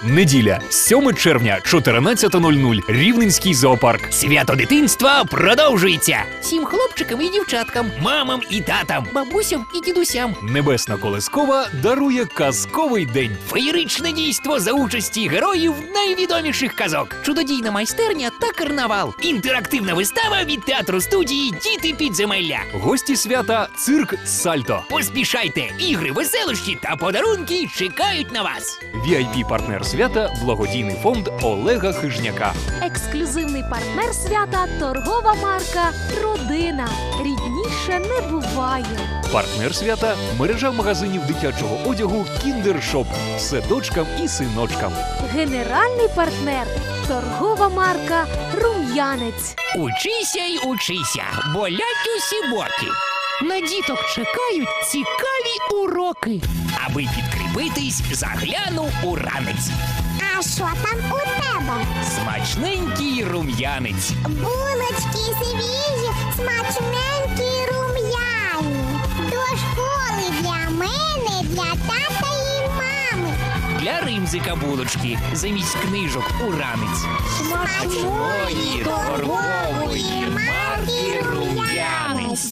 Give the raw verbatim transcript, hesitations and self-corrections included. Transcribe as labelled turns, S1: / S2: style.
S1: Неділя, сьоме червня, чотирнадцята нуль нуль, Рівненський зоопарк.
S2: Свято дитинства продовжується. Всім хлопчикам і дівчаткам, мамам і татам, бабусям і дідусям.
S1: Небесна Колескова дарує казковий день.
S2: Феєричне дійство за участі героїв найвідоміших казок. Чудодійна майстерня та карнавал. Інтерактивна вистава від театру студії «Діти підземелля».
S1: Гості свята – цирк «Сальто».
S2: Поспішайте, ігри, веселощі та подарунки чекають на вас.
S1: ві ай пі-партнер свята – благодійний фонд Олега Хижняка.
S3: Ексклюзивний партнер свята – торгова марка «Родина». Рідніше не буває.
S1: Партнер свята – мережа магазинів дитячого одягу «Кіндер-Шоп». Все дочкам і синочкам.
S3: Генеральний партнер – торгова марка «Рум'янець».
S2: Учися й учися, болять усі боки. На діток чекають цікаві уроки. Аби підкріпитись, загляну у ранець.
S4: А що там у тебе?
S2: Смачненький рум'янець.
S4: Булочки свіжі, смачненькі рум'яні. До школи для мене, для тата і мами.
S2: Для Римзика булочки замість книжок у ранець.
S4: Смачної торгової марки «Рум'янець».